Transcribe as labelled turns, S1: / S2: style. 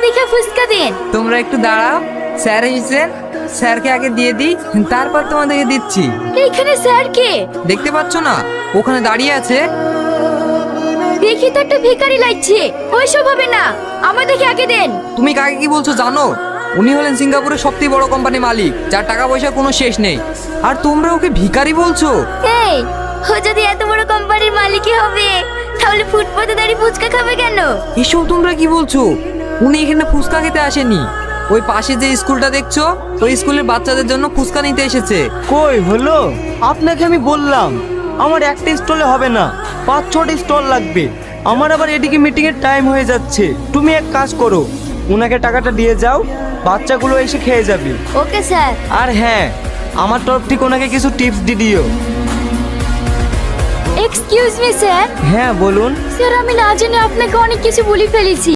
S1: দেখে ফুচকা দিন।
S2: তোমরা একটু দাঁড়াও, স্যার এসেছেন, স্যারকে আগে দিয়ে দিই, তারপর তোমাদেরকে দিচ্ছি।
S1: এখানে স্যার কে?
S2: দেখতে পাচ্ছ না, ওখানে দাঁড়িয়ে আছে।
S1: দেখি তো একটা ভিখারি লাগছে। ওইসব হবে না, আমাদেরকে আগে দেন।
S2: তুমি কাকে কি বলছো জানো? উনি হলেন সিঙ্গাপুরের সবথেকে বড় কোম্পানির মালিক, যার টাকা পয়সা কোনো শেষ নেই। আর তোমরা ওকে ভিখারি বলছো?
S1: এই, ও যদি এত বড় কোম্পানির মালিকই হবে, তাহলে ফুটপাতে দাঁড়িয়ে ফুচকা খাবে কেন?
S2: এসব তোমরা কি বলছো? উনি এখানে ফুচকা খেতে আসেনি, ওই পাশে যে স্কুলটা দেখছো, ওই স্কুলের বাচ্চাদের জন্য ফুচকা নিতে এসেছে।
S3: কই হলো? আপনাকে আমি বললাম আমার একটা স্টলে হবে না, 5-6টা স্টল লাগবে। আমার আবার এদিকে মিটিং এর টাইম হয়ে যাচ্ছে। তুমি এক কাজ করো, ওনাকে টাকাটা দিয়ে যাও, বাচ্চাগুলো এসে খেয়ে যাবে।
S1: Okay sir.
S3: আর হ্যাঁ, আমার তরফ থেকে ওনাকে কিছু টিপস দিয়ে দিও।
S1: Excuse me sir.
S3: হ্যাঁ বলুন।
S1: স্যার, আমি না জেনে আপনাকে অনেক কিছু বলে ফেলেছি।